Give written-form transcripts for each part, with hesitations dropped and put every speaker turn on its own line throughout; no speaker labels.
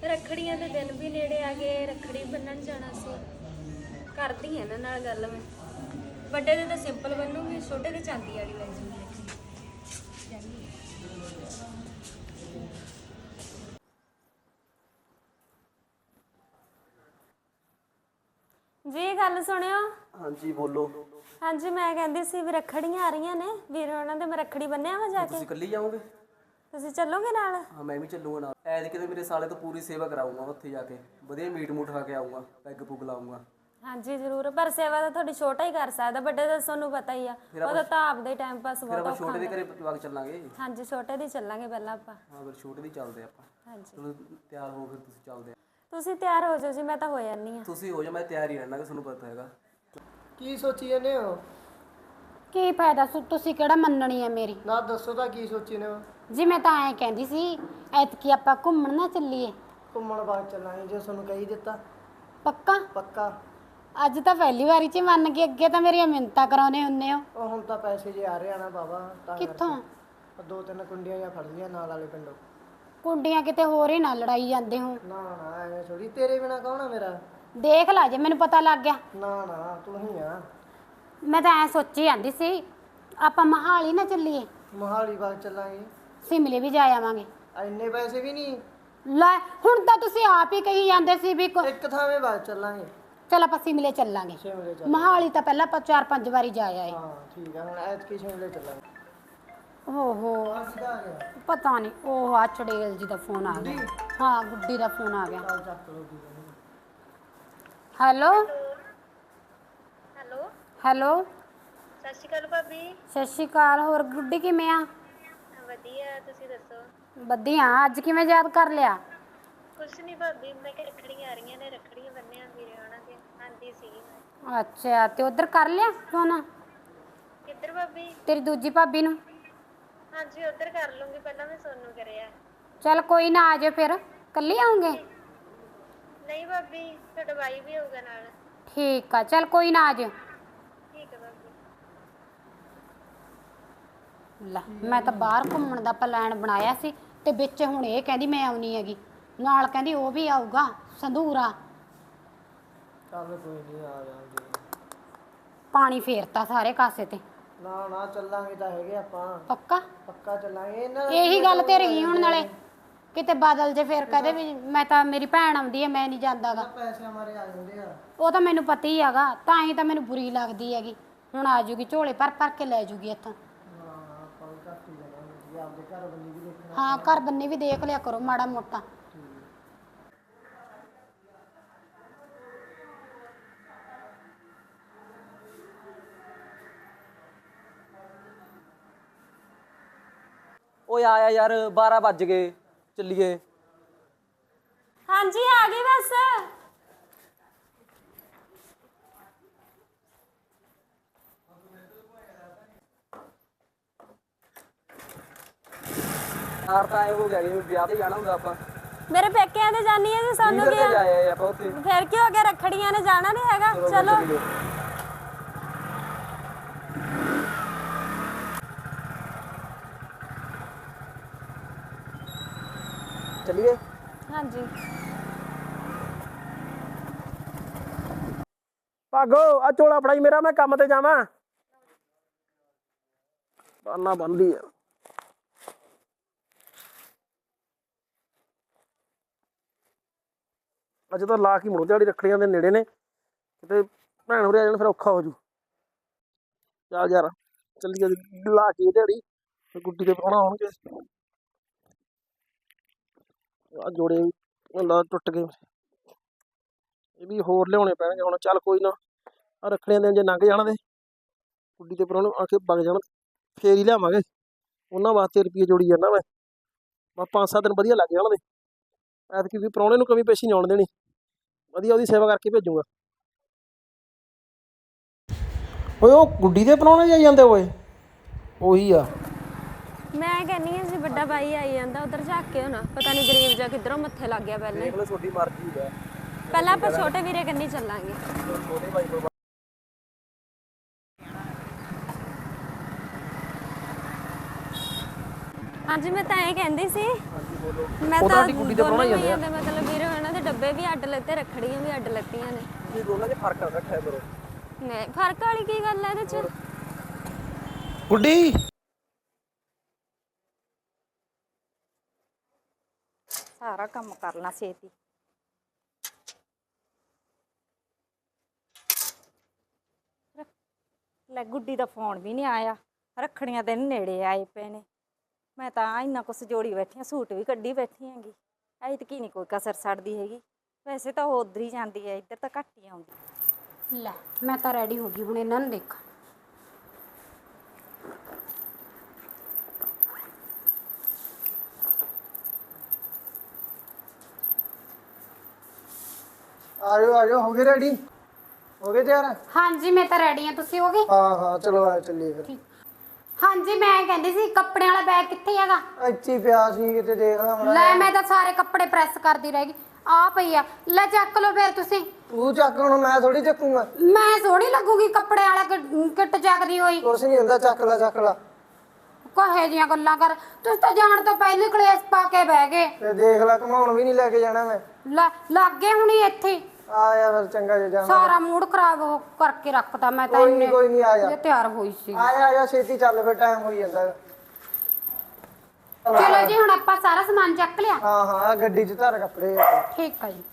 ਰੱਖੜੀਆਂ ਦੇ ਦਿਨ ਵੀ ਨੇੜੇ ਆ ਗਏ, ਰੱਖੜੀ ਬੰਨਣ ਜਾਣਾ ਸੀ। ਕਰਦੀ ਹਾਂ ਇਹਨਾਂ ਨਾਲ ਗੱਲ ਮੈਂ। ਵੱਡੇ ਦੇ ਤਾਂ ਸਿੰਪਲ ਬੰਨੂਗੀ, ਛੋਟੇ ਦੇ ਚਾਂਦੀ ਵਾਲੀ ਲੈ ਜੂਗੀ। ਜੀ ਗੱਲ ਸੁਣਿਓ।
ਹਾਂਜੀ ਬੋਲੋ।
ਹਾਂਜੀ ਮੈਂ ਕਹਿੰਦੀ ਸੀ ਵੀ ਰੱਖੜੀਆਂ ਆ ਰਹੀਆਂ ਨੇ, ਵੀਰ ਉਹਨਾਂ ਦੇ ਮੈਂ ਰੱਖੜੀ ਬੰਨਿਆ ਵਾ ਜਾ ਕੇ।
ਤੁਸੀਂ ਇਕੱਲੀ ਜਾਓਗੇ?
ਤੁਸੀਂ ਚੱਲੋਗੇ ਨਾਲ?
ਹਾਂ ਮੈਂ ਵੀ ਚੱਲੂਗਾ ਨਾਲ। ਐਤਕੀ ਤਾਂ ਮੇਰੇ ਸਾਲੇ ਤੋਂ ਪੂਰੀ ਸੇਵਾ ਕਰਾਊਂਗਾ, ਉੱਥੇ ਜਾ ਕੇ ਵਧੀਆ ਮੀਟ ਮੂਟ ਖਾ ਕੇ ਆਊਂਗਾ, ਪੈਗ ਪੁੱਗ ਲਾਊਂਗਾ। ਹਾਂਜੀ
ਜ਼ਰੂਰ, ਪਰ ਸੇਵਾ ਤਾਂ ਤੁਹਾਡੀ ਛੋਟਾ ਹੀ ਕਰ ਸਕਦਾ, ਵੱਡੇ ਦਾ ਤੁਹਾਨੂੰ ਪਤਾ ਹੀ ਆ, ਉਹਦਾ ਤਾਂ ਆਪਦੇ ਟਾਈਮ ਪਾਸ ਬਹੁਤ ਔਖਾ।
ਛੋਟੇ ਦੇ ਘਰੇ ਜਵਾਕ ਚੱਲਾਂਗੇ।
ਹਾਂਜੀ ਛੋਟੇ ਦੀ ਚੱਲਾਂਗੇ ਪਹਿਲਾਂ ਆਪਾਂ।
ਹਾਂ ਫਿਰ ਛੋਟੇ ਦੀ ਚੱਲਦੇ ਆਪਾਂ। ਹਾਂਜੀ ਚਲੋ ਤਿਆਰ ਹੋ, ਫਿਰ ਤੁਸੀਂ ਚੱਲਦੇ ਆ।
ਤੁਸੀਂ ਤਿਆਰ ਹੋ ਜਾਓ ਜੀ, ਮੈਂ ਤਾਂ ਹੋ ਜਾਂਦੀ ਆ।
ਤੁਸੀਂ ਹੋ ਜਾ, ਮੈਂ ਤਿਆਰ ਹੀ ਰਹਿਣਾ, ਕਿ ਤੁਹਾਨੂੰ ਪਤਾ ਹੈਗਾ।
ਕੀ ਸੋਚੀ ਜਾਂਦੇ ਹੋ?
ਕੀ ਫਾਇਦਾ ਤੁਸੀਂ ਕਿਹੜਾ ਮੰਨਣੀ ਹੈ ਮੇਰੀ?
ਨਾ ਦੱਸੋ ਤਾਂ ਕੀ ਸੋਚੀ ਨੇ ਹੋ?
ਜੀ ਮੈਂ ਤਾਂ ਐਂ ਕਹਿੰਦੀ ਸੀ ਐਤਕੀ ਆਪਾਂ ਘੁੰਮਣ ਨਾ ਚੱਲੀਏ।
ਘੁੰਮਣ ਬਾਅਦ ਚੱਲਾਂਗੇ ਜੇ ਤੁਹਾਨੂੰ ਕਹੀ ਦਿੱਤਾ।
ਪੱਕਾ?
ਪੱਕਾ।
ਅੱਜ ਤਾਂ ਪਹਿਲੀ ਵਾਰੀ ਚ ਮੰਨ ਗਏ, ਅੱਗੇ ਤਾਂ ਮੇਰੀਆਂ ਮਿੰਨਤਾਂ ਕਰਾਉਣੇ ਹੁੰਨੇ ਹੋ।
ਉਹ ਹੁਣ ਤਾਂ ਪੈਸੇ ਜੇ ਆ ਰਹੇ ਆ ਨਾ ਬਾਬਾ, ਤਾਂ
ਕਿੱਥੋਂ?
ਦੋ ਤਿੰਨ ਕੁੰਡੀਆਂ ਜਾਂ ਫੜ ਲਈਆਂ ਨਾਲ ਵਾਲੇ ਪਿੰਡੋਂ।
ਕੁੰਡੀਆਂ ਕਿਤੇ ਹੋਰ ਹੀ ਨਾ ਲੜਾਈ ਜਾਂਦੇ ਹੋ।
ਨਾ ਨਾ ਐਵੇਂ ਥੋੜੀ, ਤੇਰੇ ਬਿਨਾ ਕੌਣ ਆ ਮੇਰਾ?
ਦੇਖ ਲਾ ਜੇ ਮੈਨੂੰ ਪਤਾ ਲੱਗ ਗਿਆ।
ਨਾ ਨਾ ਤੂੰ ਹੀ ਆ।
ਮੈਂ ਤਾਂ ਐਂ ਸੋਚੀ ਜਾਂਦੀ ਸੀ ਆਪਾਂ ਮਹਾਲੀ ਨਾ ਚੱਲੀਏ।
ਮੋਹਾਲੀ ਬਾਗ ਚੱਲਾਂਗੇ।
ਸਿਮਲੇ ਵੀ ਜਾ ਆਵਾਂਗੇ।
ਇੰਨੇ ਪੈਸੇ ਵੀ ਨਹੀਂ।
ਲੈ ਹੁਣ ਤਾਂ ਤੁਸੀਂ ਆਪ ਹੀ ਕਹੀ ਜਾਂਦੇ ਸੀ ਵੀ
ਇੱਕ ਥਾਵੇਂ ਬਾਅਦ ਚੱਲਾਂਗੇ।
ਚਲ ਆਪਾਂ ਸਿਮਲੇ ਚੱਲਾਂਗੇ।
ਸ਼ਿਮਲੇ ਚੱਲ।
ਮਹਾਲੀ ਤਾਂ ਪਹਿਲਾਂ ਆਪਾਂ 4-5 ਵਾਰੀ ਜਾ ਆਏ।
ਹਾਂ ਠੀਕ ਆ, ਹੁਣ ਐਤਕੀ ਸ਼ਿਮਲੇ ਚੱਲਾਂਗੇ।
ਓਹੋ
ਸਿੱਧਾ ਆ ਗਿਆ।
ਪਤਾ ਨਹੀਂ, ਉਹ ਆ ਚੜੇਲ ਜੀ ਦਾ ਫੋਨ ਆ ਗਿਆ। ਹਾਂ ਗੁੱਡੀ ਦਾ ਫੋਨ ਆ ਗਿਆ।
ਚੱਲ ਚੱਕ ਲੋ ਕੀ
ਹੈਲੋ
ਹੈਲੋ
ਹੈਲੋ
ਸਤਿ ਸ਼੍ਰੀ ਅਕਾਲ ਭਾਬੀ।
ਸਤਿ ਸ਼੍ਰੀ ਅਕਾਲ। ਹੋਰ ਗੁੱਡੀ ਕਿਵੇਂ ਆ?
ਵਧੀਆ, ਤੁਸੀਂ ਦੱਸੋ?
ਵਧੀਆ। ਅੱਜ ਕਿਵੇਂ ਯਾਦ ਕਰ ਲਿਆ?
ਕੁਛ ਨਹੀਂ ਭਾਬੀ, ਮੈਂ ਕਿਹਾ ਰੱਖੜੀਆਂ ਆ ਰਹੀਆਂ ਨੇ, ਰੱਖੜੀਆਂ ਬੰਨਿਆ ਵੀਰੇ ਉਹਨਾਂ ਦੇ। ਆਂਦੀ ਸੀਗੀ ਮੈਂ।
ਅੱਛਾ ਤੇ ਉਧਰ ਕਰ ਲਿਆ ਫੋਨ
ਕਿੱਧਰ ਭਾਬੀ?
ਤੇਰੀ ਦੂਜੀ ਭਾਬੀ ਨੂੰ?
ਹਾਂਜੀ ਉੱਧਰ ਕਰ ਲੂੰਗੀ, ਪਹਿਲਾਂ ਮੈਂ ਸੋਨੂੰ ਕਰਿਆ।
ਚੱਲ ਕੋਈ ਨਾ, ਆ ਜਾਓ ਫਿਰ। ਕੱਲੀ ਆਉਂਗੇ?
ਨਹੀਂ ਭਾਬੀ, ਤੁਹਾਡਾ ਬਾਈ ਵੀ ਹੋਊਗਾ ਨਾਲ।
ਠੀਕ ਆ, ਚੱਲ ਕੋਈ ਨਾ, ਆ ਜਾਓ।
ਠੀਕ ਹੈ ਭਾਬੀ।
ਲੈ ਮੈਂ ਤਾਂ ਬਾਹਰ ਘੁੰਮਣ ਦਾ ਪਲਾਨ ਬਣਾਇਆ ਸੀ ਤੇ ਵਿੱਚ ਹੁਣ ਇਹ ਕਹਿੰਦੀ ਮੈਂ ਆਉਣੀ ਹੈਗੀ ਨਾਲ, ਕਹਿੰਦੀ ਉਹ ਵੀ ਆਊਗਾ ਸੰਧੂਰਾ।
ਚੱਲ ਕੋਈ ਨਹੀਂ, ਆ ਜਾਵਾਂਗੇ।
ਪਾਣੀ ਫੇਰਤਾ ਸਾਰੇ ਕਾਸੇ ਤੇ।
ਨਾ ਨਾ ਚੱਲਾਂਗੇ ਤਾਂ ਹੈਗੇ ਆਪਾਂ।
ਪੱਕਾ?
ਪੱਕਾ ਚੱਲਾਂਗੇ। ਇਹਨਾਂ
ਇਹੀ ਗੱਲ ਤੇ ਰਹੀ ਹੁਣ, ਨਾਲੇ ਕਿਤੇ ਬਾਦਲ ਜੇ ਫੇਰ ਕਹਦੇ ਵੀ ਮੈਂ ਤਾਂ, ਮੇਰੀ ਭੈਣ ਆਉਂਦੀ ਹੈ ਮੈਂ ਨਹੀਂ ਜਾਂਦਾਗਾ।
ਪੈਸੇ ਮਾਰੇ ਆ ਜਾਂਦੇ ਆ।
ਉਹ ਤਾਂ ਮੈਨੂੰ ਪਤਾ ਹੀ ਹੈਗਾ, ਤਾਂ ਹੀ ਤਾਂ ਮੈਨੂੰ ਬੁਰੀ ਲੱਗਦੀ ਹੈਗੀ। ਹੁਣ ਆ ਜੂਗੀ ਝੋਲੇ ਭਰ ਭਰ ਕੇ ਲੈ ਜੂਗੀ ਇੱਥੋਂ।
ਹਾਂ ਆਪਾਂ ਘੱਟ ਹੀ ਜਾਵਾਂਗੇ ਜੀ, ਆਪਦੇ ਘਰ ਬੰਨੀ ਵੀ ਦੇਖਣਾ।
ਹਾਂ ਘਰ ਬੰਨੇ ਵੀ ਦੇਖ ਲਿਆ ਕਰੋ ਮਾੜਾ ਮੋਟਾ।
ਓਏ ਆਇਆ ਯਾਰ, 12 ਵੱਜ ਗਏ, ਚੱਲੀਏ।
ਹਾਂਜੀ ਆ ਗਈ ਬਸ।
ਯਾਰ ਤਾਂ ਐ ਹੋ ਗਿਆ ਕਿ ਵਿਆਹ ਤੇ ਜਾਣਾ ਹੁੰਦਾ ਆਪਾਂ।
ਮੇਰੇ ਪੇਕਿਆਂ ਤੇ ਜਾਨੀ ਹੈ ਜੀ, ਸਾਨੂੰ
ਕਿੱਧਰ
ਕੀ
ਤੇ ਜਾਏ ਆਪਾਂ ਉੱਥੇ।
ਫਿਰ ਕੀ ਹੋ ਗਿਆ, ਰੱਖੜੀਆਂ ਨੇ ਜਾਣਾ ਨਹੀਂ ਹੈਗਾ। ਚਲੋ
ਚੱਲੀਏ।
ਹਾਂਜੀ।
ਭਾਗੋ ਆ ਝੋਲਾ ਫੜਾਈ ਮੇਰਾ, ਮੈਂ ਕੰਮ ਤੇ ਜਾਵਾਂ। ਬਾਨਾ ਬੰਦੀ ਆ। ਅੱਜ ਤਾਂ ਲਾ ਕੇ ਮੁੜੋ, ਦਿਹਾੜੀ ਰੱਖੜੀਆਂ ਦੇ ਨੇੜੇ ਨੇ, ਕਿਤੇ ਭੈਣ ਉਰੇ ਆ ਜਾਣ ਫਿਰ ਔਖਾ ਹੋ ਜੂ। ਚੱਲ ਯਾਰ ਚੱਲੀਏ, ਲਾ ਕੇ ਦਿਹਾੜੀ, ਗੁੱਡੀ ਦੇ ਪ੍ਰਾਹੁਣਾ ਆਉਣਗੇ। ਆ ਜੋੜੇ ਲਾ ਟੁੱਟ ਗਏ, ਇਹ ਵੀ ਹੋਰ ਲਿਆਉਣੇ ਪੈਣਗੇ ਹੁਣ। ਚੱਲ ਕੋਈ ਨਾ, ਆ ਰੱਖੜੀਆਂ ਦੇ ਜੇ ਲੰਘ ਜਾਣ ਦੇ, ਗੁੱਡੀ ਦੇ ਪ੍ਰਾਹੁਣੇ ਆ ਕੇ ਵਗ ਜਾਣ, ਫੇਰ ਹੀ ਲਿਆਵਾਂਗੇ। ਉਹਨਾਂ ਵਾਸਤੇ ਰੁਪਈਏ ਜੋੜੀ ਜਾਂਦਾ ਮੈਂ, ਬਸ 5-7 ਦਿਨ ਵਧੀਆ ਲੱਗ ਜਾਣ ਦੇ। ਐਤਕੀ ਵੀ ਪ੍ਰਾਹੁਣੇ ਨੂੰ ਕਮੀ ਪੇਸ਼ੀ ਨਹੀਂ ਆਉਣ ਦੇਣੀ, ਵਧੀਆ ਉਹਦੀ ਸੇਵਾ ਕਰਕੇ ਭੇਜੂਗਾ। ਓਏ ਉਹ ਗੁੱਡੀ ਦੇ ਪ੍ਰਾਹੁਣੇ ਜਾਈ ਜਾਂਦੇ ਓਏ, ਉਹੀ ਆ।
ਮੈਂ ਕਹਿੰਨੀ ਹਾਂ ਜੀ ਵੱਡਾ ਬਾਈ ਆਈ ਜਾਂਦਾ, ਉਧਰ ਝਾਕ ਕੇ ਹੋਣਾ, ਪਤਾ ਨਹੀਂ ਗਰੀਬ ਜਾ ਕਿੱਧਰੋਂ ਮੱਥੇ ਲੱਗ ਗਿਆ। ਪਹਿਲਾਂ
ਦੇਖ ਲਓ ਤੁਹਾਡੀ ਮਰਜ਼ੀ ਹੈ।
ਪਹਿਲਾਂ ਆਪਾਂ ਛੋਟੇ ਵੀਰੇ ਕੰਨੀ ਚੱਲਾਂਗੇ।
ਛੋਟੇ ਭਾਈ ਕੋਲ
ਹਾਂਜੀ ਮੈਂ ਤਾਂ ਇਹ ਕਹਿੰਦੀ ਸੀ ਮੈਂ
ਉਹਦਾ
ਤਾਂ
ਸਾਡੀ ਕੁੜੀ ਦੇ ਪ੍ਰਾਹੁਣਾ ਹੀ ਜਾਂਦੇ ਆ।
ਮਤਲਬ ਵੀਰੇ ਉਹਨਾਂ ਦੇ ਡੱਬੇ ਵੀ ਅੱਡ ਲੱਤੇ, ਰੱਖੜੀਆਂ ਵੀ ਅੱਡ ਲੱਤੀਆਂ ਨੇ।
ਇਹ ਦੋਨਾਂ 'ਚ ਫਰਕ ਰੱਖਿਆ ਕਰੋ।
ਨਹੀਂ, ਫਰਕ ਵਾਲੀ ਕੀ ਗੱਲ ਹੈ ਇਹਦੇ 'ਚ?
ਗੁੱਡੀ
ਸਾਰਾ ਕੰਮ ਕਰਨਾ ਛੇਤੀ। ਲੈ ਗੁੱਡੀ ਦਾ ਫੋਨ ਵੀ ਨਹੀਂ ਆਇਆ, ਰੱਖੜੀਆਂ ਦੇ ਨੇੜੇ ਆਏ ਪਏ ਨੇ। ਮੈਂ ਤਾਂ ਇੰਨਾ ਕੁਛ ਜੋੜੀ ਬੈਠੀ ਆ, ਸੂਟ ਵੀ ਕੱਢੀ ਬੈਠੀ ਹੈਗੀ। ਐਤਕੀ ਨਹੀਂ ਕੋਈ ਕਸਰ ਛੱਡਦੀ ਹੈਗੀ। ਵੈਸੇ ਤਾਂ ਉਹ ਉਧਰ ਹੀ ਜਾਂਦੀ ਹੈ, ਇੱਧਰ ਤਾਂ ਘੱਟ ਹੀ ਆਉਂਦੀ।
ਲੈ ਮੈਂ ਤਾਂ ਰੈਡੀ ਹੋ ਗਈ, ਹੁਣ ਇਹਨਾਂ ਨੂੰ ਦੇਖਾਂ।
ਆਜੋ ਹੋ ਗਏ ਰੈਡੀ? ਹੋ ਗਏ ਤਿਆਰ?
ਹਾਂਜੀ ਮੈਂ ਤਾਂ ਰੈਡੀ ਹਾਂ, ਤੁਸੀਂ ਹੋ ਗਏ?
ਹਾਂ ਚਲੋ ਆ ਚੱਲੀਏ ਫਿਰ।
ਹਾਂਜੀ ਮੈਂ ਕਹਿੰਦੀ ਸੀ ਕੱਪੜਿਆਂ ਵਾਲਾ ਬੈਗ ਕਿੱਥੇ ਹੈਗਾ?
ਇੱਥੇ ਪਿਆ ਸੀ ਕਿਤੇ, ਦੇਖ ਲਾ ਮੜਾ।
ਲੈ ਮੈਂ ਤਾਂ ਸਾਰੇ ਕੱਪੜੇ ਪ੍ਰੈਸ ਕਰਦੀ ਰਹਿ ਗਈ, ਆ ਪਈ ਆ। ਲੈ ਚੱਕ ਲਓ ਫਿਰ ਤੁਸੀਂ।
ਤੂੰ ਚੱਕ, ਹੁਣ ਮੈਂ ਥੋੜੀ ਚੱਕੂਗਾ।
ਮੈਂ ਸੋਹਣੀ ਲੱਗੂਗੀ ਕੱਪੜੇ ਵਾਲਾ ਕਿੱਟ ਚੱਕਦੀ ਹੋਈ?
ਕੁਛ ਨਹੀਂ ਹੁੰਦਾ, ਚੱਕ ਲਾ।
ਕਹੇ ਜੀਆਂ ਗੱਲਾਂ ਕਰ, ਤੁਸੀਂ ਤਾਂ ਜਾਣ ਤੋਂ ਪਹਿਲੇ ਕਲੇਸ਼ ਪਾ ਕੇ ਬਹਿ ਗਏ।
ਤੇ ਦੇਖ ਲੈ, ਘਮਾਉਣ ਵੀ ਨਹੀਂ ਲੈ ਕੇ ਜਾਣਾ ਮੈਂ।
ਲੈ ਲੱਗੇ ਹੁਣੀ ਇੱਥੇ
ਆਇਆ ਫਿਰ, ਚੰਗਾ ਜੇ ਜਾਣਾ।
ਸਾਰਾ ਮੂਡ ਖਰਾਬ ਕਰਕੇ ਰੱਖਤਾ ਮੈਂ ਤਾਂ।
ਕੋਈ ਨਹੀਂ ਆ ਜਾ।
ਇਹ ਤਿਆਰ ਹੋਈ ਸੀ।
ਆਇਆ ਛੇਤੀ ਚੱਲ, ਫਿਰ ਟਾਈਮ ਹੋਈ ਜਾਂਦਾ।
ਚਲੋ ਜੀ ਹੁਣ ਆਪਾਂ ਸਾਰਾ ਸਮਾਨ ਚੱਕ ਲਿਆ।
ਹਾਂ ਗੱਡੀ 'ਚ ਧਰ ਕੱਪੜੇ।
ਠੀਕ ਆ ਜੀ।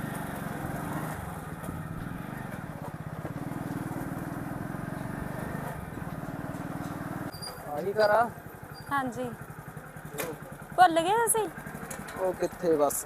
ਆਹੀ ਕਰਾ।
ਹਾਂਜੀ, ਭੁੱਲ ਗਏ ਤੁਸੀਂ?
ਉਹ ਕਿੱਥੇ ਬਸ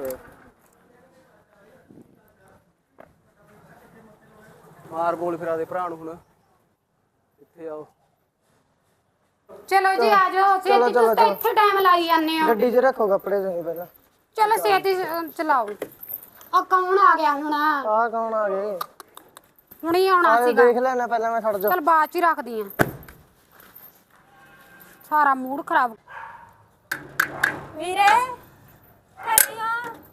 ਮਾਰ ਬੋਲ ਫਿਰ ਆਦੇ ਭਰਾ ਨੂੰ ਹੁਣ ਕਿੱਥੇ ਆਓ।
ਚਲੋ ਜੀ ਆ ਜਾਓ ਛੇਤੀ, ਤੁਸੀਂ ਤਾਂ ਇੱਥੇ ਟਾਈਮ ਲਾਈ ਜਾਂਦੇ ਹੋ।
ਗੱਡੀ 'ਚ ਰੱਖੋ ਕੱਪੜੇ ਤੁਸੀਂ ਪਹਿਲਾਂ।
ਚਲੋ ਛੇਤੀ ਚਲਾਓ। ਆ ਕੌਣ ਆ ਗਿਆ ਹੁਣ?
ਆਹ ਕੌਣ ਆ ਗਏ?
ਹੁਣੀ ਆਉਣਾ
ਆਜੋ
ਸੀਗਾ।
ਦੇਖ ਲੈਣਾ ਪਹਿਲਾਂ, ਮੈਂ ਖੜ ਜਾ।
ਚਲ ਬਾਅਦ ਚ ਹੀ ਰੱਖਦੀ ਆ। ਸਾਰਾ ਮੂਡ ਖਰਾਬ।
ਵੀਰੇ ਕਰੀਓ।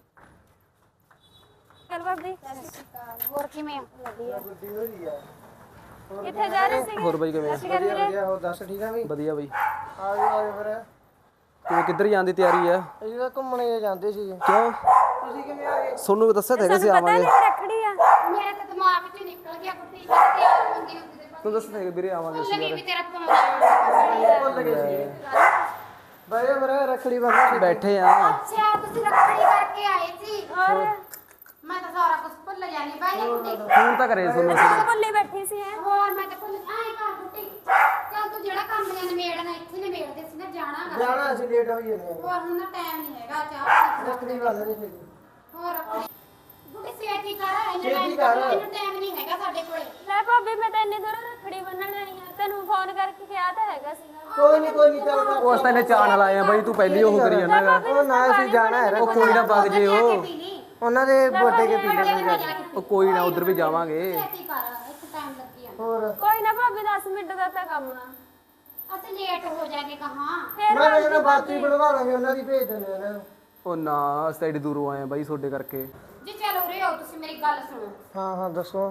ਚਲ ਭਾਬੀ,
ਹੋਰ ਕਿਵੇਂ ਆ?
ਗੱਡੀ ਹੋਈ ਆ।
ਕਿੱਥੇ ਜਾ ਰਹੇ ਸੀਗੇ?
ਹੋਰ ਬਾਈ ਕਿਵੇਂ ਆ?
ਵਧੀਆ ਹੋ, ਦੱਸ ਠੀਕ ਆ ਵੀ?
ਵਧੀਆ ਬਾਈ।
ਆਜੋ ਫਿਰ।
ਤੂੰ ਕਿੱਧਰ ਜਾਣ ਦੀ ਤਿਆਰੀ ਆ?
ਅਸੀਂ ਤਾਂ ਘੁੰਮਣੇ ਜਾਂਦੇ ਸੀਗੇ।
ਕਿਉਂ?
ਤੁਸੀਂ ਕਿਵੇਂ ਆ ਗਏ?
ਸੋਨੂੰ ਦੱਸਿਆ ਤਾਂ ਹੈਗਾ ਸੀ
ਪਤਾ
ਆਵਾਂਗੇ।
ਨਹੀਂ ਰੱਖੜੀ ਆ।
ਮੇਰੇ ਤਾਂ ਦਿਮਾਗ ਚ ਨਿਕਲ ਗਿਆ ਕੁੱਤੀ ਤਿਆਰ ਹੁੰਦੀ ਹੁੰਦੀ ਤੇ
ਤੂੰ ਦੱਸਿਆ ਹੈਗਾ ਵੀਰੇ ਆਵਾਂਗੇ ਅਸੀਂ
ਲੱਗੀ ਵੀ ਤੇਰਾ ਫੋਨ।
ਭੁੱਲ ਗਏ ਸੀ। ਬਾਈ ਫਿਰ ਰੱਖੜੀ ਬੰਨ੍ਹੋ।
ਬੈਠੇ ਆ।
ਅੱਛਾ ਤੁਸੀਂ ਰੱਖੜੀ ਕਰਕੇ ਆਏ ਸੀ? ਹੋਰ ਮੈਂ ਤਾਂ ਸਾਰਾ ਕੁਝ ਭੁੱਲ ਜਾਣੀ ਬਾਈ ਨੇ ਕੁੱਤੀ।
ਫੋਨ ਤਾਂ ਕਰੇ ਸੋਨੂੰ ਅਸੀਂ।
ਭੁੱਲੀ ਬੈਠੀ ਸੀ ਐ।
ਹੋਰ ਮੈਂ ਤਾਂ ਭੁੱਲ ਆਏ ਘਰ ਕੁੱਤੀ। ਚੱਲ ਤੂੰ ਜਿਹੜਾ ਕੰਮ ਨੇ ਨਿਬੇੜਨਾ ਇੱਥੇ ਨਿਬੇੜਦੇ ਸੀ ਨਾ, ਜਾਣਾਗਾ।
ਜਾਣਾ ਅਸੀਂ, ਲੇਟ ਹੋਈ ਜਾਂਦੇ ਆ।
ਹੋਰ ਹੁਣ ਨਾ ਟਾਈਮ ਨਹੀਂ ਹੈਗਾ ਚਾਹ।
ਰੱਖੜੀ ਬੰਨ੍ਹਣੀ ਸੀ।
ਹੋਰ ਬੁੱਢੀ ਛੇਤੀ ਕਰ,
ਛੇਤੀ ਕਰ।
ਇਹਨੂੰ ਟਾਈਮ ਨਹੀਂ ਹੈਗਾ ਸਾਡੇ ਕੋਲੇ।
ਲੈ ਭਾਬੀ, ਮੈਂ ਤਾਂ ਇੰਨੀ ਦੂਰ ਰੱਖੜੀ ਬੰਨਣ ਆਈ ਆ, ਤੈਨੂੰ ਫੋਨ ਕਰਕੇ ਕਿਹਾ ਤਾਂ ਹੈਗਾ ਸੀਗਾ।
ਕੋਈ ਨਹੀਂ ਚੱਲ ਕਰ।
ਉਸ ਤਾਂ ਇਹਨੇ ਚਾਅ ਨਾਲ ਆਏ ਆ ਬਾਈ, ਤੂੰ ਪਹਿਲੀ ਉਹ ਕਰੀ ਜਾਂਦਾ ਹੈਗਾ।
ਉਹ ਨਾ ਅਸੀਂ ਜਾਣਾ ਹੈ।
ਉਹ ਕੋਈ ਨਾ ਵਗ ਜੇ ਉਹ।
ਉਹਨਾਂ ਦੇ ਬਰਥਡੇ ਕੇ ਪੀ ਲੈਣਗੇ।
ਉਹ ਕੋਈ ਨਾ ਉਧਰ ਵੀ ਜਾਵਾਂਗੇ।
ਛੇਤੀ ਕਰ, ਇੱਥੇ ਟਾਈਮ ਲੱਗੀ ਜਾਂਦਾ।
ਹੋਰ
ਕੋਈ ਨਾ ਭਾਬੀ, 10 ਮਿੰਟ ਦਾ ਤਾਂ ਕੰਮ ਆ।
ਅਸੀਂ ਲੇਟ ਹੋ ਜਾਗੇ ਕਹਾਂ।
ਮੈਂ ਇਹਨਾਂ ਬਾਤੀ ਬਣਵਾ ਲਾਂਗੇ, ਉਹਨਾਂ ਦੀ ਭੇਜ ਦਿੰਦੇ ਆ ਇਹਨਾਂ ਨੂੰ।
ਉਹ ਨਾ ਅਸੀਂ ਤਾਂ ਏਡੀ ਦੂਰੋਂ ਆਏ ਆ ਬਾਈ ਤੁਹਾਡੇ ਕਰਕੇ।
ਜੀ ਚਲੋ ਉਰੇ ਆਓ, ਤੁਸੀਂ ਮੇਰੀ ਗੱਲ ਸੁਣੋ।
ਹਾਂ ਦੱਸੋ।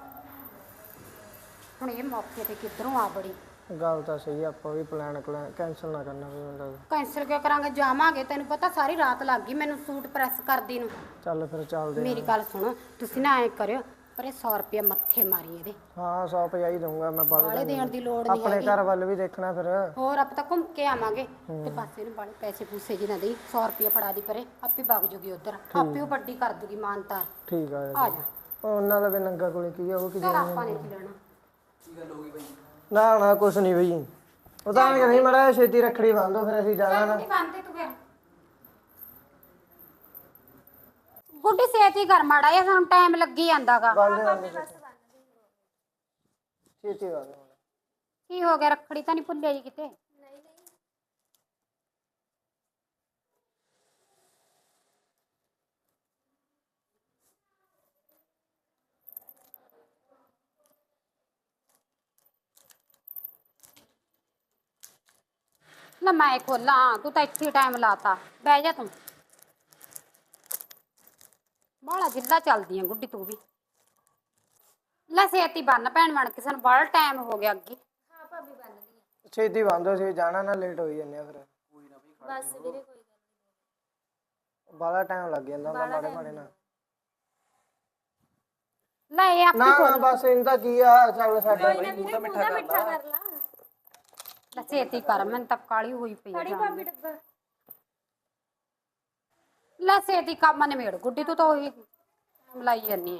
ਹੁਣ ਇਹ ਮੌਕੇ ਤੇ ਕਿੱਧਰੋਂ ਆ ਬੜੀ?
ਗੱਲ ਤਾਂ ਸਹੀ ਆ, ਆਪਾਂ ਵੀ ਪਲਾਨ ਕੈਂਸਲ ਨਾ ਕਰਨਾ ਪਵੇ ਮੈਨੂੰ ਲੱਗਦਾ।
ਕੈਂਸਲ ਕਿਉਂ ਕਰਾਂਗੇ? ਜਾਵਾਂਗੇ। ਤੈਨੂੰ ਪਤਾ ਸਾਰੀ ਰਾਤ ਲੱਗ ਗਈ ਮੈਨੂੰ ਸੂਟ ਪ੍ਰੈਸ ਕਰਦੀ ਨੂੰ।
ਚੱਲ ਫਿਰ ਚੱਲਦੇ
ਮੇਰੀ ਗੱਲ ਸੁਣੋ, ਤੁਸੀਂ ਨਾ ਐ ਕਰਿਓ, ਪਰ ਇਹ 100 ਰੁਪਏ ਮੱਥੇ ਮਾਰੀ ਇਹਦੇ।
ਹਾਂ 150 ਹੀ ਦਊਂਗਾ ਮੈਂ।
ਬਾਲੇ ਦੇਣ ਦੀ ਲੋੜ ਨਹੀਂ
ਆਪਣੇ
ਹੈਗੀ।
ਘਰ ਵੱਲ ਵੀ ਦੇਖਣਾ ਫਿਰ।
ਹੋਰ ਆਪਾਂ ਤਾਂ ਘੁੰਮ ਕੇ ਆਵਾਂਗੇ ਤੇ ਪਾਸੇ ਨੂੰ ਬਾਲੇ ਪੈਸੇ ਪੂਸੇ ਜੀ ਨਾ ਦੇਈ। 100 ਰੁਪਏ ਫੜਾ ਦੀ ਪਰੇ, ਆਪੇ ਵਗ ਜੂਗੀ ਉਧਰ, ਆਪੇ ਉਹ ਵੱਡੀ ਕਰ ਦੂਗੀ ਮਾਨਤਾਰ।
ਠੀਕ ਆ।
ਆ ਜਾ।
ਉਹਨਾਂ ਦਾ ਵੀ ਨੰਗਾ ਕੋਲੇ ਕੀ ਆ, ਉਹ ਕੀ
ਚਲ ਆਪਾਂ ਨੇ ਕੀ ਲੈਣਾ।
ਨਾ ਕੁਛ ਨਹੀਂ ਬਈ। ਉਹ ਤਾਂ ਨਹੀਂ ਮੜਾ ਛੇਤੀ ਰੱਖੜੀ ਬੰਨ ਦੋ, ਫਿਰ ਅਸੀਂ ਜਾਣਾ ਨਾ।
ਨਹੀਂ ਬੰਦੇ ਤੂੰ ਫਿਰ ਗੁੱਡੀ ਛੇਤੀ ਕਰ ਮਾੜਾ ਜਿਹਾ, ਸਾਨੂੰ ਟਾਈਮ ਲੱਗੀ ਜਾਂਦਾਗਾ।
ਬੰਨ ਦੇ ਛੇਤੀ ਬੰਨ ਦੇ।
ਕੀ ਹੋ ਗਿਆ? ਰੱਖੜੀ ਤਾਂ ਨਹੀਂ ਭੁੱਲਿਆ ਜੀ ਕਿਤੇ? ਲੈ ਮੈਂ ਖੋਲਾਂ, ਤੂੰ ਤਾਂ ਇੱਥੇ ਟਾਈਮ ਲਾਤਾ। ਬਹਿ ਜਾ ਤੂੰ। ਬਾਹਲਾ ਜਿੱਦਾਂ ਚੱਲਦੀ ਆ ਗੁੱਡੀ ਤੂੰ ਵੀ। ਲੈ ਛੇਤੀ ਬੰਨ ਭੈਣ ਬਣ ਕੇ, ਸਾਨੂੰ ਬੜਾ ਟਾਈਮ ਹੋ ਗਿਆ ਅੱਗੇ।
ਹਾਂ ਭਾਬੀ, ਬੰਨਦੀ
ਛੇਤੀ ਬੰਨ ਦੋ, ਅਸੀਂ ਜਾਣਾ ਨਾ, ਲੇਟ ਹੋਈ ਜਾਂਦੇ ਆ ਫਿਰ।
ਬਸ ਵੀਰੇ, ਕੋਈ ਗੱਲ
ਬਾਲਾ ਟਾਈਮ ਲੱਗ ਜਾਂਦਾ ਹੁੰਦਾ ਮਾੜੇ ਮਾੜੇ ਨਾਲ।
ਲੈ ਇਹ ਆਪੇ
ਨਾ ਨਾ ਬਸ ਇਹਨਾਂ ਕੀ ਆ ਚੱਲ ਸਾਡਾ
ਮਿੱਠਾ ਕਰ ਲਾ।
ਲੈ ਛੇਤੀ ਕਰ, ਮੈਨੂੰ ਤਾਂ ਕਾਲੀ ਹੋਈ ਪਈ ਆ ਜਾਣ ਦੀ।
ਡੱਬਾ
ਲੈ ਛੇਤੀ ਕੰਮ ਨਿਬੇੜ ਗੁੱਡੀ, ਤੂੰ ਤਾਂ ਉਹੀ ਮਲਾਈ ਜਾਨੀ ਆ।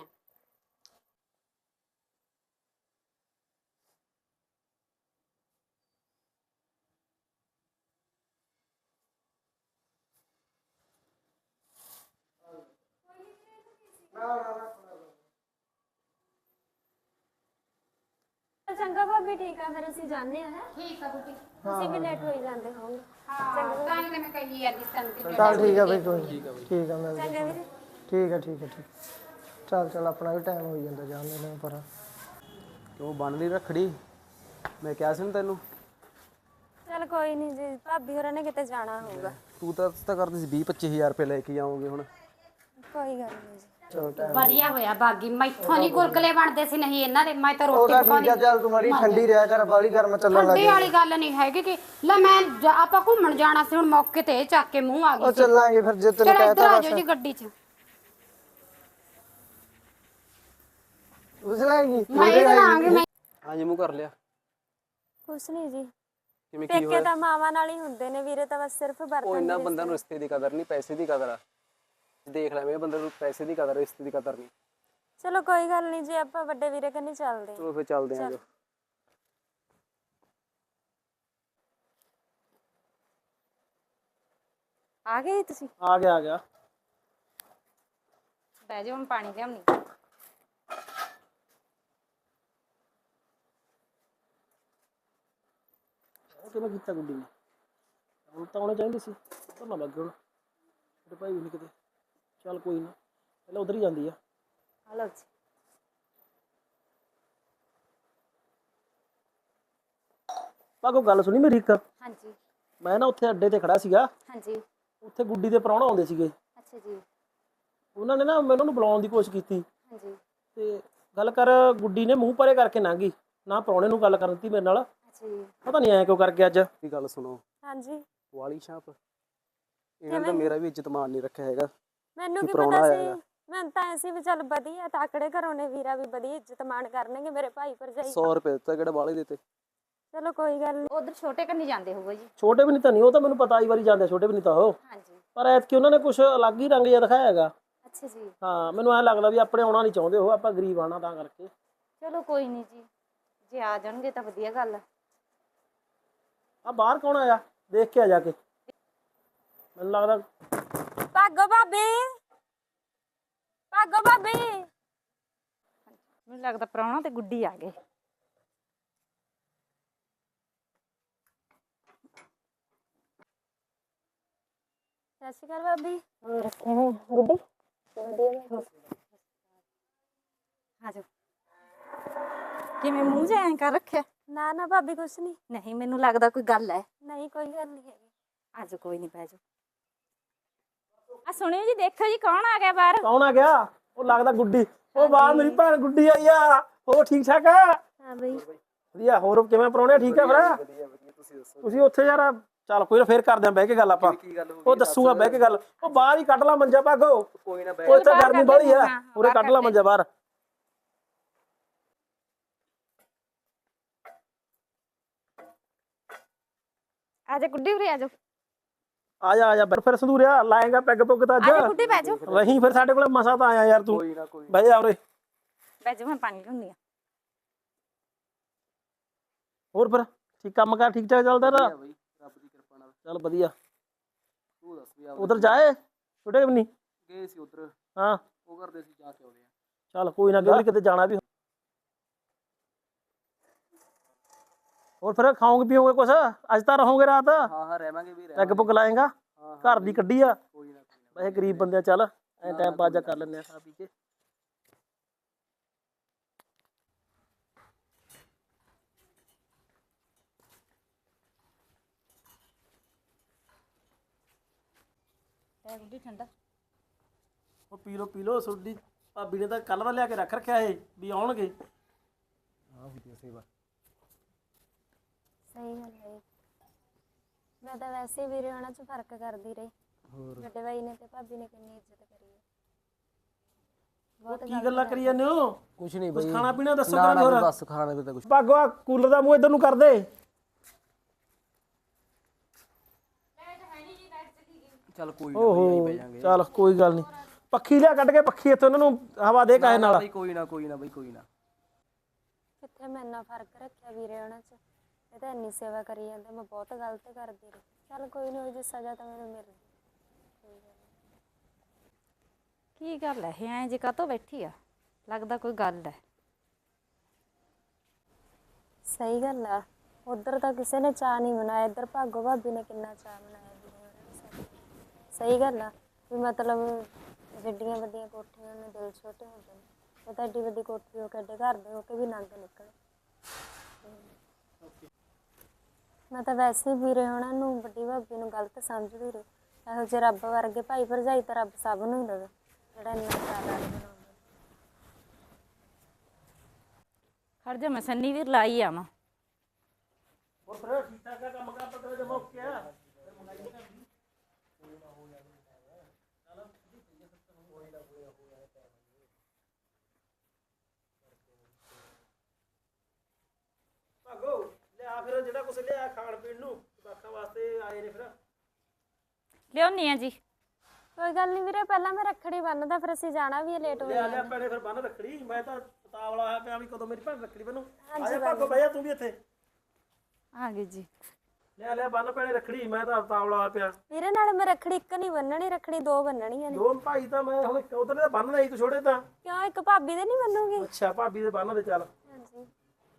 ਚੰਗਾ ਭਾਬੀ, ਠੀਕ ਆ ਫਿਰ ਅਸੀਂ ਜਾਂਦੇ ਆ।
ਠੀਕ ਆ ਗੁੱਡੀ।
ਤੁਸੀਂ ਵੀ ਲੇਟ ਹੋਈ ਜਾਂਦੇ ਹੋਵੋਗੇ।
ਹਾਂ ਤਾਂ ਹੀ ਤੇ ਮੈਂ ਕਹੀ ਜਾਂਦੀ ਤੈਨੂੰ ਕਿ
ਚੱਲ ਠੀਕ ਆ ਬਈ, ਕੋਈ ਨੀ। ਠੀਕ ਆ ਮਿਲਦੇ।
ਚੰਗਾ ਵੀਰੇ।
ਠੀਕ ਆ ਠੀਕ ਆ ਠੀਕ। ਚੱਲ ਆਪਣਾ ਵੀ ਟਾਈਮ ਹੋਈ ਜਾਂਦਾ ਜਾਂਦੇ ਨੇ ਪਰ।
ਕਿਉਂ ਬੰਨ ਲਈ ਰੱਖੜੀ? ਮੈਂ ਕਿਹਾ ਸੀ ਨਾ ਤੈਨੂੰ।
ਚਲ ਕੋਈ ਨਹੀਂ ਜੀ, ਭਾਬੀ ਹੋਰਾਂ ਨੇ ਕਿਤੇ ਜਾਣਾ ਹੋਊਗਾ।
ਤੂੰ ਤਾਂ ਕਰਦੀ ਸੀ 20-25 ਹਜ਼ਾਰ ਰੁਪਏ ਲੈ ਕੇ ਆਉਂਗੇ ਹੁਣ।
ਕੋਈ ਗੱਲ ਨਹੀਂ ਜੀ।
ਚਲੋ ਟਾਈਮ
ਵਧੀਆ ਹੋਇਆ ਬਾਗੀ, ਮੈਥੋਂ ਨਹੀਂ ਗੁਲਗਲੇ ਬਣਦੇ ਸੀ, ਨਹੀਂ ਇਹਨਾਂ ਦੇ। ਮੈਂ ਤਾਂ ਰੋਟੀ
ਉਹਦਾ
ਪਕਾਉਣੀ।
ਠੀਕ ਆ, ਚੱਲ ਤੂੰ ਮਾੜੀ ਠੰਡੀ ਰਿਹਾ ਕਰ, ਬਾਲੀ ਗਰਮ ਚੱਲਣ ਲੱਗ
ਠੰਡੀ ਵਾਲੀ ਗੱਲ ਨਹੀਂ ਹੈਗੀ ਕਿ ਲੈ ਮੈਂ ਆਪਾਂ ਘੁੰਮਣ ਜਾਣਾ ਸੀ, ਹੁਣ ਮੌਕੇ ਤੇ ਇਹ ਚੱਕ ਕੇ ਮੂੰਹ ਆ
ਉਹ
ਗਈ ਸੀ।
ਚੱਲਾਂਗੇ ਫਿਰ ਜੇ ਤੈਨੂੰ
ਚਲੋ ਇੱਧਰ
ਕਹਿਤਾ
ਆ
ਬਸ।
ਜਾਓ ਜੀ ਗੱਡੀ 'ਚ।
ਉਸ ਲਾਂਗੀ
ਮੈਂ ਇਹ ਲਾਂਗੀ ਮੈਂ।
ਹਾਂਜੀ ਮੂੰਹ ਕਰ ਲਿਆ।
ਕੁਛ ਨਹੀਂ ਜੀ,
ਕਿਵੇਂ ਕੀ
ਪੇਕੇ
ਹੋਇਆ?
ਤਾਂ ਮਾਵਾਂ ਨਾਲ ਹੀ ਹੁੰਦੇ ਨੇ ਵੀਰੇ, ਤਾਂ ਬਸ ਸਿਰਫ
ਉਹ
ਬਰਤਨ
ਇੰਨਾ ਬੰਦਾ ਨੂੰ ਰਿਸ਼ਤੇ ਦੀ ਕਦਰ ਨਹੀਂ, ਪੈਸੇ ਦੀ ਕਦਰ ਆ। ਦੇਖ ਲੈ ਮੇਰੇ ਬੰਦੇ ਨੂੰ ਪੈਸੇ ਦੀ ਕਦਰ, ਰਿਸ਼ਤੇ ਦੀ ਕਦਰ ਨਹੀਂ।
ਚਲੋ ਕੋਈ ਗੱਲ ਨਹੀਂ ਜੀ, ਆਪਾਂ ਵੱਡੇ ਵੀਰੇ ਕੰਨੀ ਚੱਲਦੇ ਹਾਂ।
ਚਲੋ ਫਿਰ ਚੱਲਦੇ ਆਂ ਜੋ।
ਆ ਗਏ ਤੁਸੀਂ?
ਆ ਗਿਆ।
ਬਹਿ ਜਾਓ, ਮੈਂ ਪਾਣੀ ਲਿਆਉਣੀ।
ਉਹ ਕਿਵੇਂ ਕੀਤਾ ਗੁੱਡੀ ਨੇ? ਹੁਣ ਤਾਂ ਆਉਣੇ ਚਾਹੀਦੇ ਸੀ, ਪਰ ਨਾ ਲੱਗੇ ਹੁਣ ਮੇਰੇ ਭਾਈ ਵੀ ਨਹੀਂ ਕਿਤੇ। ਚੱਲ ਕੋਈ ਨਾ, ਪਹਿਲਾਂ ਉਧਰ ਹੀ ਜਾਂਦੀ ਆ।
ਆ ਲਓ ਜੀ।
ਭਾਗੋ ਗੱਲ ਸੁਣੀ ਮੇਰੀ ਇੱਕ।
ਹਾਂਜੀ
ਮੈਂ ਨਾ ਉੱਥੇ ਅੱਡੇ ਤੇ ਖੜਾ ਸੀਗਾ,
ਹਾਂਜੀ।
ਉੱਥੇ ਗੁੱਡੀ ਦੇ ਪ੍ਰਾਹੁਣਾ ਆਉਂਦੇ ਸੀਗੇ।
ਅੱਛਾ ਜੀ।
ਉਹਨਾਂ ਨੇ ਨਾ ਮੈਨੂੰ ਉਹਨੂੰ ਬੁਲਾਉਣ ਦੀ ਕੋਸ਼ਿਸ਼ ਕੀਤੀ
ਹਾਂਜੀ।
ਤੇ ਗੱਲ ਕਰ, ਗੁੱਡੀ ਨੇ ਮੂੰਹ ਪਰੇ ਕਰਕੇ ਲੰਘ ਗਈ, ਨਾ ਪ੍ਰਾਹੁਣੇ ਨੂੰ ਗੱਲ ਕਰਨ ਦਿੱਤੀ ਮੇਰੇ ਨਾਲ।
ਅੱਛਾ ਜੀ।
ਪਤਾ ਨਹੀਂ ਐਂ ਕਿਉਂ ਕਰ ਗਿਆ ਅੱਜ।
ਦੀ ਗੱਲ ਸੁਣੋ,
ਹਾਂਜੀ,
ਵਾਲੀ ਛਾਪ ਇਹਨਾਂ ਦਾ ਮੇਰਾ ਵੀ ਇੱਜ਼ਤ ਮਾਨ ਨਹੀਂ ਰੱਖਿਆ ਹੈਗਾ।
ਮੈਨੂੰ
ਕੀ
ਕੀ
ਪ੍ਰਾਹੁਣਾ
ਪਤਾ
ਆਇਆ
ਸੀ।
ਹੈਗਾ।
ਮੈਂ ਤਾਂ ਐਸੀ ਵੀ ਚੱਲ ਵਧੀਆ ਤਾਕੜੇ ਘਰੋਂ ਨੇ, ਵੀਰਾ ਵੀ ਵਧੀਆ ਇੱਜ਼ਤ ਮਾਣ ਕਰਨਗੇ ਮੇਰੇ ਭਾਈ ਭਰਜਾਈ।
100 ਰੁਪਏ ਦਿੱਤਾ, ਕਿਹੜਾ ਵਾਲੇ ਦਿੱਤੇ?
ਚਲੋ ਕੋਈ ਗੱਲ ਨਹੀਂ।
ਉਧਰ ਛੋਟੇ ਕੰਨੀ ਜਾਂਦੇ ਹੋਊਗਾ ਜੀ।
ਛੋਟੇ ਵੀ ਨਹੀਂ ਤਾਂ ਨਹੀਂ, ਉਹ ਤਾਂ ਮੈਨੂੰ ਪਤਾ ਆਈ ਵਾਰੀ ਜਾਂਦੇ, ਛੋਟੇ ਵੀ ਨਹੀਂ ਤਾਂ ਉਹ।
ਹਾਂਜੀ।
ਪਰ ਐਤਕੀ ਉਹਨਾਂ ਨੇ ਕੁਝ ਅਲੱਗ ਹੀ ਰੰਗ ਜਿਹਾ ਦਿਖਾਇਆ ਹੈਗਾ।
ਅੱਛਾ ਜੀ।
ਹਾਂ, ਮੈਨੂੰ ਐਂ ਲੱਗਦਾ ਵੀ ਆਪਣੇ ਆਉਣਾ ਨਹੀਂ ਚਾਹੁੰਦੇ ਉਹ, ਆਪਾਂ ਗਰੀਬ ਆਣਾ ਤਾਂ ਕਰਕੇ।
ਚਲੋ ਕੋਈ ਨਹੀਂ ਜੀ, ਜੇ ਆ ਜਾਣਗੇ ਤਾਂ ਵਧੀਆ ਗੱਲ ਹੈ।
ਆ ਬਾਹਰ ਕੌਣ ਆਇਆ? ਦੇਖ ਕੇ ਆ ਜਾ ਕੇ। ਮੈਨੂੰ ਲੱਗਦਾ
ਭਾਗੋ ਭਾਬੀ, ਭਾਗੋ ਭਾਬੀ।
ਮੈਨੂੰ ਲੱਗਦਾ ਪ੍ਰਾਹੁਣਾ ਤੇ ਗੁੱਡੀ ਆ ਗਏ।
ਸਤਿ ਸ਼੍ਰੀ ਅਕਾਲ ਭਾਬੀ।
ਆ ਜਾਓ। ਕਿਵੇਂ ਮੂੰਹ ਜਿਹਾ ਐਂ ਕਰ ਰੱਖਿਆ?
ਨਾ ਨਾ ਭਾਬੀ, ਕੁਛ ਨਹੀਂ।
ਨਹੀਂ, ਮੈਨੂੰ ਲੱਗਦਾ ਕੋਈ ਗੱਲ ਹੈ।
ਨਹੀਂ ਕੋਈ ਗੱਲ ਨਹੀਂ ਹੈਗੀ।
ਆ ਜਾਓ, ਕੋਈ ਨਹੀਂ, ਬਹਿ ਜਾਓ। ਆ ਸੁਣਿਓ ਜੀ, ਦੇਖੋ ਜੀ ਕੌਣ ਆ ਗਿਆ ਬਾਹਰ।
ਕੌਣ ਆ ਗਿਆ? ਉਹ ਲੱਗਦਾ ਗੁੱਡੀ। ਉਹ ਬਾਹਰ ਮੇਰੀ ਭੈਣ ਗੁੱਡੀ ਆਈ ਆ। ਉਹ ਠੀਕ ਠਾਕ ਆ?
ਹਾਂ ਬਈ।
ਵਧੀਆ। ਹੋਰ ਕਿਵੇਂ ਪ੍ਰਾਹੁਣੇ? ਠੀਕ ਆ ਫਿਰ? ਤੁਸੀਂ ਉੱਥੇ ਯਾਰ, ਚੱਲ ਕੋਈ ਨਾ, ਫੇਰ ਕਰਦੇ ਆਂ ਬਹਿ ਕੇ ਗੱਲ ਆਪਾਂ। ਉਹ ਦੱਸੂਗਾ ਬਹਿ ਕੇ ਗੱਲ। ਉਹ ਬਾਹਰ ਹੀ ਕੱਢ ਲਾ ਮੰਜਾ ਭਾਗੋ।
ਕੋਈ ਨਾ
ਉਹ ਇੱਥੇ ਗਰਮੀ ਬੜੀ ਆ, ਉਰੇ ਕੱਢ ਲਾ ਮੰਜਾ ਬਾਹਰ।
ਆ ਜਾ ਗੁੱਡੀ, ਉਰੇ ਆ ਜਾਓ।
ਆ ਜਾ ਫਿਰ ਸੰਧੂਰਿਆ ਲਾਏਗਾ ਪੈਗ ਪੁੱਗ ਤਾਂ
ਆ ਜਾ
ਅੱਜ।
ਗੁੱਡੀ, ਬਹਿ ਜਾਓ।
ਰਹੀ ਫਿਰ ਸਾਡੇ ਕੋਲ ਮਸਾ ਤਾਂ ਆਇਆ ਯਾਰ ਤੂੰ।
ਕੋਈ ਨਾ ਕੋਈ
ਬਹਿ ਜਾ ਉਰੇ।
ਬਹਿ ਜਾਓ, ਮੈਂ ਪਾਣੀ ਲਿਆਉਂਦੀ ਆ।
ਹੋਰ ਫਿਰ ਠੀਕ ਕੰਮ ਕਾਰ ਠੀਕ ਠਾਕ ਚੱਲਦਾ ਨਾ?
ਬਈ, ਰੱਬ ਦੀ ਕਿਰਪਾ ਨਾਲ।
ਚੱਲ ਵਧੀਆ।
ਤੂੰ ਦੱਸ ਵੀ
ਉਧਰ ਜਾਏ ਛੋਟੇ ਵੀ ਨਹੀਂ?
ਗਏ ਸੀ ਉਧਰ,
ਹਾਂ
ਉਹ ਕਰਦੇ ਸੀ, ਜਾ ਕੇ ਆਉਣੇ ਆ।
ਚੱਲ ਕੋਈ ਨਾ, ਕਿਤੇ ਜਾਣਾ ਵੀ। ਹੋਰ ਫਿਰ ਖਾਓਗੇ ਪੀਓਗੇ ਕੁਛ? ਅੱਜ ਤਾਂ ਰਹੋਗੇ ਰਾਤ?
ਹਾਂ ਰਹਿਵਾਂਗੇ ਵੀ,
ਪੈਗ ਪੁੱਗ ਲਾਏਗਾ? ਘਰ ਦੀ ਕੱਢੀ ਆ
ਕੋਈ ਨਾ
ਵੈਸੇ, ਗਰੀਬ ਬੰਦੇ ਆ। ਚੱਲ ਐ ਟਾਈਮ ਪਾਸ ਜਾ ਕਰ ਲੈਂਦੇ ਆ ਖਾ ਪੀ ਕੇ।
ਗੁੱਡੀ ਠੰਡਾ।
ਉਹ ਪੀ ਲੋ ਤੁਹਾਡੀ ਭਾਬੀ ਨੇ ਤਾਂ ਕੱਲ ਦਾ ਲਿਆ ਕੇ ਰੱਖ ਰੱਖਿਆ ਇਹ ਵੀ ਆਉਣਗੇ।
ਸਹੀ ਗੱਲ ਹੈ। ਮੈਂ ਤਾਂ ਵੈਸੇ ਵੀਰੇ ਉਹਨਾਂ 'ਚ ਫਰਕ ਕਰਦੀ ਰਹੀ। ਵੱਡੇ ਭਾਈ ਨੇ ਤੇ ਭਾਬੀ ਨੇ ਕਿੰਨੀ ਇੱਜ਼ਤ ਕਰੀ ਹੈ। ਬਹੁਤ
ਕੀ ਗੱਲਾਂ ਕਰੀ ਜਾਂਦੇ ਹੋ?
ਕੁਛ ਨਹੀਂ
ਕੁਛ
ਬਈ
ਖਾਣਾ ਪੀਣਾ ਦੱਸੋ
ਨਾ
ਕਰਾਂਗੇ
ਨਾ
ਹੋਰ।
ਬਸ ਖਾਣਾ ਵੀ ਤਾਂ ਕੁਛ
ਭਾਗੋ ਆ ਕੂਲਰ ਦਾ ਮੂੰਹ ਇਧਰ ਨੂੰ ਕਰ ਦੇ।
ਚੱਲ ਕੋਈ ਨਾ ਬਈ ਆਈ ਬਹਿ ਜਾਾਂਗੇ।
ਚੱਲ ਕੋਈ ਗੱਲ ਨਹੀਂ, ਪੱਖੀ ਲਿਆ ਕੱਢ ਕੇ ਪੱਖੀ ਇੱਥੇ ਉਹਨਾਂ ਨੂੰ ਹਵਾ ਦੇ ਕਾਹੇ ਨਾਲ।
ਬਈ ਕੋਈ ਨਾ ਬਈ ਕੋਈ ਨਾ।
ਕਿੱਥੇ ਮੈਂ ਇੰਨਾ ਫਰਕ ਰੱਖਿਆ ਵੀਰੇ ਉਹਨਾਂ 'ਚ, ਇਹ ਤਾਂ ਇੰਨੀ ਸੇਵਾ ਕਰੀ ਜਾਂਦੇ, ਮੈਂ ਬਹੁਤ ਗਲਤ ਕਰਦੀ ਰਹੀ। ਚੱਲ ਕੋਈ ਨਹੀਂ, ਉਹਦੀ ਸਜ਼ਾ ਤਾਂ ਮੈਨੂੰ ਮਿਲ ਗਈ।
ਕੀ ਗੱਲ ਹੈ ਇਹ ਐਂ ਜੇ ਕਾਹਤੋਂ ਬੈਠੀ ਆ? ਲੱਗਦਾ ਕੋਈ ਗੱਲ ਹੈ।
ਸਹੀ ਗੱਲ ਆ, ਉਧਰ ਤਾਂ ਕਿਸੇ ਨੇ ਚਾਅ ਨਹੀਂ ਮਨਾਇਆ, ਇੱਧਰ ਭਾਗੋ ਭਾਬੀ ਨੇ ਕਿੰਨਾ ਚਾਅ ਮਨਾਇਆ ਵੀਰੇ ਉਹਨਾਂ ਨੇ। ਸਹੀ ਗੱਲ ਆ ਵੀ ਮਤਲਬ ਵੱਡੀਆਂ ਵੱਡੀਆਂ ਕੋਠੀਆਂ ਨੂੰ ਦਿਲ ਛੋਟੇ ਹੁੰਦੇ ਨੇ, ਉਹ ਤਾਂ ਐਡੀ ਵੱਡੀ ਕੋਠੀ ਹੋ ਕੇ ਐਡੇ ਘਰ ਦੇ ਹੋ ਕੇ ਵੀ ਨੰਗ ਨਿਕਲੇ। ਮੈਂ ਤਾਂ ਵੈਸੇ ਹੀ ਵੀਰੇ ਉਹਨਾਂ ਨੂੰ, ਵੱਡੀ ਭਾਬੀ ਨੂੰ ਗਲਤ ਸਮਝਦੀ ਰਹੀ। ਇਹੋ ਜਿਹੇ ਰੱਬ ਵਰਗੇ ਭਾਈ ਭਰਜਾਈ ਤਾਂ ਰੱਬ ਸਭ ਨੂੰ ਹੀ ਦੇਵੇ, ਜਿਹੜਾ ਇੰਨਾ ਚਾਅ ਬਣਾਉਂਦਾ।
ਖੜ ਜਾ, ਮੈਂ ਸੰਨੀ ਵੀਰ ਲਾਈ ਆਵਾਂ।
ਹੋਰ ਫਿਰ ਠੀਕ ਠਾਕ ਆ ਕੰਮ ਕਾਰ ਪਤਾ ਜਮਾ ਓਕੇ ਆ? ਭਾਗੋ ਲਿਆ ਫਿਰ ਜਿਹੜਾ ਕੁਛ ਲਿਆ ਖਾਣ ਪੀਣ ਨੂੰ, ਜਵਾਕਾਂ ਵਾਸਤੇ ਆਏ ਨੇ ਫਿਰ।
ਲਿਆਉਣੀ ਆ ਜੀ।
ਕੋਈ ਗੱਲ ਨਹੀਂ ਵੀਰੇ, ਪਹਿਲਾਂ ਮੈਂ ਰੱਖੜੀ ਬੰਨਦਾ, ਫਿਰ ਅਸੀਂ ਜਾਣਾ ਵੀ ਹੈ, ਲੇਟ ਹੋ
ਲਿਆ
ਜਾਣਾ।
ਭੈਣੇ ਫਿਰ ਬੰਨ ਰੱਖੜੀ। ਮੈਂ ਤਾਂ ਪਤਾਵਲਾ ਹੋਇਆ ਪਿਆ ਵੀ ਕਦੋਂ ਮੇਰੀ ਭੈਣ ਰੱਖੜੀ ਬੰਨੂ। ਆ ਜਾ ਭਾਗੋ ਬਹਿ ਜਾ ਤੂੰ ਵੀ ਇੱਥੇ।
ਆ ਗਈ ਜੀ।
ਲਿਆ ਬੰਨ ਭੈਣੇ ਰੱਖੜੀ, ਮੈਂ ਤਾਂ ਪਤਾਵਲਾ ਹੋਇਆ ਪਿਆ।
ਵੀਰੇ ਨਾਲ ਮੈਂ ਰੱਖੜੀ ਇੱਕ ਨਹੀਂ ਬੰਨਣੀ, ਰੱਖੜੀ ਦੋ ਬੰਨਣੀਆਂ ਨੇ।
ਦੋ ਭਾਈ ਤਾਂ ਮੈਂ ਹੁਣ ਉਧਰ ਦੇ ਬੰਨ ਨਹੀਂ, ਤੂੰ ਛੋੜੇ ਤਾਂ।
ਕਿਉਂ, ਇੱਕ ਭਾਬੀ ਦੇ ਨਹੀਂ ਬੰਨੂਗੀ?
ਅੱਛਾ ਭਾਬੀ ਦੇ ਬੰਨ ਦੇ ਚੱਲ।
ਹਾਂਜੀ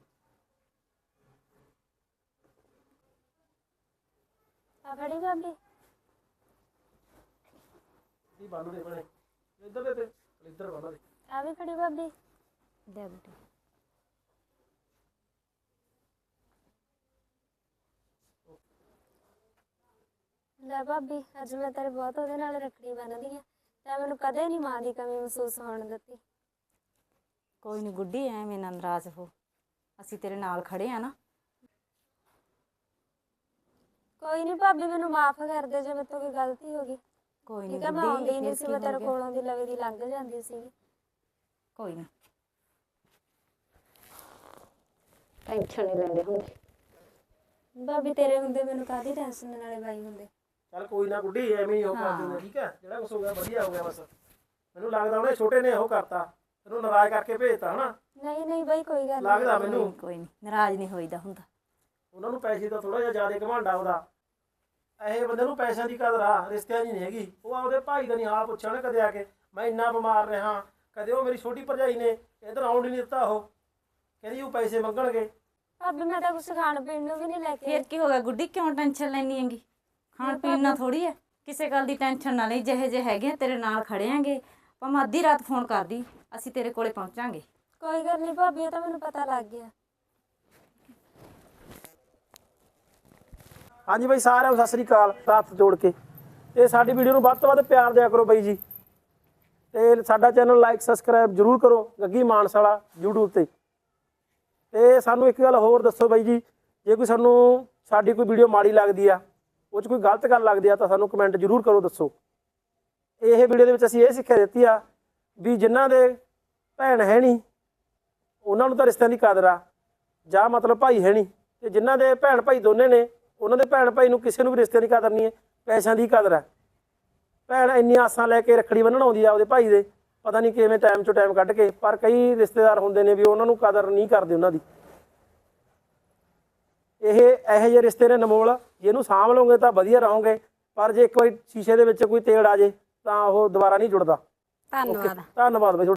ਆ ਫੜੀ ਭਾਬੀ।
ਦੀ ਬੰਨ ਦੇ ਭੈਣੇ, ਇੱਧਰ ਦੇ ਤੇ ਇੱਧਰ ਬੰਨ ਦੇ।
ਆ ਵੀ ਫੜੀ ਭਾਬੀ।
ਦੇ ਬੁੱਢੀ।
ਲੈ ਭਾਬੀ, ਅੱਜ ਮੈਂ ਤੇਰੇ ਬਹੁਤ ਉਹਦੇ ਨਾਲ ਰੱਖੜੀ ਬੰਨਦੀ ਆ, ਤੇ ਮੈਨੂੰ ਕਦੇ ਨਹੀਂ ਮਾਂ ਦੀ ਕਮੀ ਮਹਿਸੂਸ ਹੋਣ ਦਿੱਤੀ।
ਕੋਈ ਨਹੀਂ ਗੁੱਡੀ, ਐਵੇਂ ਨਾ ਨਾਰਾਜ਼ ਹੋ, ਅਸੀਂ ਤੇਰੇ ਨਾਲ ਖੜੇ ਆ ਨਾ।
ਕੋਈ ਨਹੀਂ ਭਾਬੀ, ਮੈਨੂੰ ਮਾਫ ਕਰ ਦੇ ਜੇ ਮੇਰੇ ਤੋਂ ਕੋਈ ਗਲਤੀ ਹੋ ਗਈ।
ਕੋਈ
ਠੀਕ
ਨਹੀਂ
ਹੈ, ਮੈਂ ਆਉਂਦੀ ਨਹੀਂ ਸੀ, ਮੈਂ ਤੇਰੇ
ਗੁੱਡੀ,
ਕੋਲੋਂ ਦੀ ਲਵੇ ਦੀ ਲੰਘ ਜਾਂਦੀ ਸੀ।
ਕੋਈ ਨਾ।
ਟੈਨਸ਼ਨ ਨਹੀਂ ਲੈਂਦੇ ਹੁੰਦੇ ਭਾਬੀ, ਤੇਰੇ ਹੁੰਦੇ ਮੈਨੂੰ ਕਾਹਦੀ ਟੈਨਸ਼ਨ ਨਾਲੇ ਬਾਈ ਹੁੰਦੇ।
ਚੱਲ ਕੋਈ ਨਾ ਗੁੱਡੀ, ਐਵੇਂ ਹੀ ਉਹ ਕਰ ਦਿੰਦੇ। ਠੀਕ ਹੈ, ਜਿਹੜਾ ਕੁਛ ਹੋ ਗਿਆ ਵਧੀਆ ਹੋ ਗਿਆ ਬਸ। ਮੈਨੂੰ ਲੱਗਦਾ ਉਹਨੇ ਛੋਟੇ ਨੇ ਉਹ ਕਰਤਾ, ਤੈਨੂੰ ਨਾਰਾਜ਼ ਕਰਕੇ ਭੇਜਤਾ ਹਨਾ।
ਨਹੀਂ ਨਹੀਂ ਬਾਈ, ਕੋਈ ਗੱਲ
ਲੱਗਦਾ ਮੈਨੂੰ।
ਕੋਈ ਨਹੀਂ, ਨਾਰਾਜ਼ ਨਹੀਂ ਹੋਈਦਾ ਹੁੰਦਾ।
ਉਹਨਾਂ ਨੂੰ ਪੈਸੇ ਦਾ ਥੋੜਾ ਜਿਹਾ ਜ਼ਿਆਦਾ ਘਮੰਡਾ ਉਹਦਾ। ਇਹ ਬੰਦੇ ਨੂੰ ਪੈਸਿਆਂ ਦੀ ਕਦਰ ਆ, ਰਿਸ਼ਤਿਆਂ ਦੀ ਨਹੀਂ ਹੈਗੀ। ਉਹ ਆਪਦੇ ਭਾਈ ਦਾ ਨਹੀਂ ਹਾਲ ਪੁੱਛਿਆ ਉਹਨੇ ਕਦੇ ਆ ਕੇ, ਮੈਂ ਇੰਨਾ ਬਿਮਾਰ ਰਿਹਾ। ਕਦੇ ਉਹ ਮੇਰੀ ਛੋਟੀ ਭਰਜਾਈ ਨੇ ਇੱਧਰ ਆਉਣ ਹੀ ਨਹੀਂ ਦਿੱਤਾ। ਉਹ ਕਹਿੰਦੀ ਉਹ ਪੈਸੇ ਮੰਗਣਗੇ।
ਭਾਬੀ, ਮੈਂ ਤਾਂ ਕੁਛ ਖਾਣ ਪੀਣ ਨੂੰ ਵੀ ਨਹੀਂ ਲੈ ਕੇ।
ਫੇਰ ਕੀ ਹੋ ਗਿਆ ਗੁੱਡੀ, ਕਿਉਂ ਟੈਨਸ਼ਨ ਲੈਣੀ ਹੈਗੀ? ਖਾਣ ਪੀਣ ਨਾਲ ਥੋੜੀ ਹੈ, ਕਿਸੇ ਗੱਲ ਦੀ ਟੈਨਸ਼ਨ ਨਾ ਲਈ। ਜਿਹੇ ਜਿਹੇ ਹੈਗੇ ਤੇਰੇ ਨਾਲ ਖੜੇ ਆਂਗੇ, ਭਾਵੇਂ ਅੱਧੀ ਰਾਤ ਫੋਨ ਕਰਦੀ, ਅਸੀਂ ਤੇਰੇ ਕੋਲੇ ਪਹੁੰਚਾਂਗੇ।
ਕੋਈ ਗੱਲ ਨਹੀਂ ਭਾਬੀ, ਉਹ ਤਾਂ ਮੈਨੂੰ ਪਤਾ ਲੱਗ ਗਿਆ।
ਹਾਂਜੀ ਬਾਈ, ਸਾਰਿਆਂ ਨੂੰ ਸਤਿ ਸ੍ਰੀ ਅਕਾਲ। ਹੱਥ ਜੋੜ ਕੇ ਇਹ ਸਾਡੀ ਵੀਡੀਓ ਨੂੰ ਵੱਧ ਤੋਂ ਵੱਧ ਪਿਆਰ ਦਿਆ ਕਰੋ ਬਾਈ ਜੀ, ਤੇ ਸਾਡਾ ਚੈਨਲ ਲਾਈਕ ਸਬਸਕ੍ਰਾਈਬ ਜ਼ਰੂਰ ਕਰੋ, ਗੱਗੀ ਮਾਨਸਾਲਾ YouTube ਤੇ ਸਾਨੂੰ ਇੱਕ ਗੱਲ ਹੋਰ ਦੱਸੋ ਬਾਈ ਜੀ, ਜੇ ਕੋਈ ਸਾਡੀ ਕੋਈ ਵੀਡੀਓ ਮਾੜੀ ਲੱਗਦੀ ਆ, ਉਹ 'ਚ ਕੋਈ ਗਲਤ ਗੱਲ ਲੱਗਦੀ ਆ, ਤਾਂ ਸਾਨੂੰ ਕਮੈਂਟ ਜ਼ਰੂਰ ਕਰੋ, ਦੱਸੋ। ਇਹ ਵੀਡੀਓ ਦੇ ਵਿੱਚ ਅਸੀਂ ਇਹ ਸਿੱਖਿਆ ਦਿੱਤੀ ਆ ਵੀ ਜਿਨ੍ਹਾਂ ਦੇ ਭੈਣ ਹੈ ਨਹੀਂ, ਉਹਨਾਂ ਨੂੰ ਤਾਂ ਰਿਸ਼ਤਿਆਂ ਦੀ ਕਦਰ ਆ, ਜਾਂ ਮਤਲਬ ਭਾਈ ਹੈ ਨਹੀਂ, ਤੇ ਜਿਨ੍ਹਾਂ ਦੇ ਭੈਣ ਭਾਈ ਦੋਨੇ ਨੇ, ਉਹਨਾਂ ਦੇ ਭੈਣ ਭਾਈ ਨੂੰ ਕਿਸੇ ਨੂੰ ਵੀ ਰਿਸ਼ਤਿਆਂ ਦੀ ਕਦਰ ਨਹੀਂ ਹੈ, ਪੈਸਿਆਂ ਦੀ ਕਦਰ ਹੈ। ਭੈਣ ਇੰਨੀਆਂ ਆਸਾਂ ਲੈ ਕੇ ਰੱਖੜੀ ਬੰਨ੍ਹਣ ਆਉਂਦੀ ਆ ਉਹਦੇ ਭਾਈ ਦੇ, ਪਤਾ ਨਹੀਂ ਕਿਵੇਂ ਟਾਈਮ 'ਚੋਂ ਟਾਈਮ ਕੱਢ ਕੇ, ਪਰ ਕਈ ਰਿਸ਼ਤੇਦਾਰ ਹੁੰਦੇ ਨੇ ਵੀ ਉਹਨਾਂ ਨੂੰ ਕਦਰ ਨਹੀਂ ਕਰਦੇ ਉਹਨਾਂ ਦੀ। ਇਹੋ ਜਿਹੇ ਰਿਸ਼ਤੇ ਨੇ ਅਨਮੋਲ, ਜੇ ਇਹਨੂੰ ਸਾਂਭ ਲਓਗੇ ਤਾਂ ਵਧੀਆ ਰਹੋਗੇ, ਪਰ ਜੇ ਇੱਕ ਵਾਰੀ ਸ਼ੀਸ਼ੇ ਦੇ ਵਿੱਚ ਕੋਈ ਤੇੜ ਆ ਜੇ ਤਾਂ ਉਹ ਦੁਬਾਰਾ ਨਹੀਂ ਜੁੜਦਾ।
ਧੰਨਵਾਦ।
ਧੰਨਵਾਦ ਬਾਈ।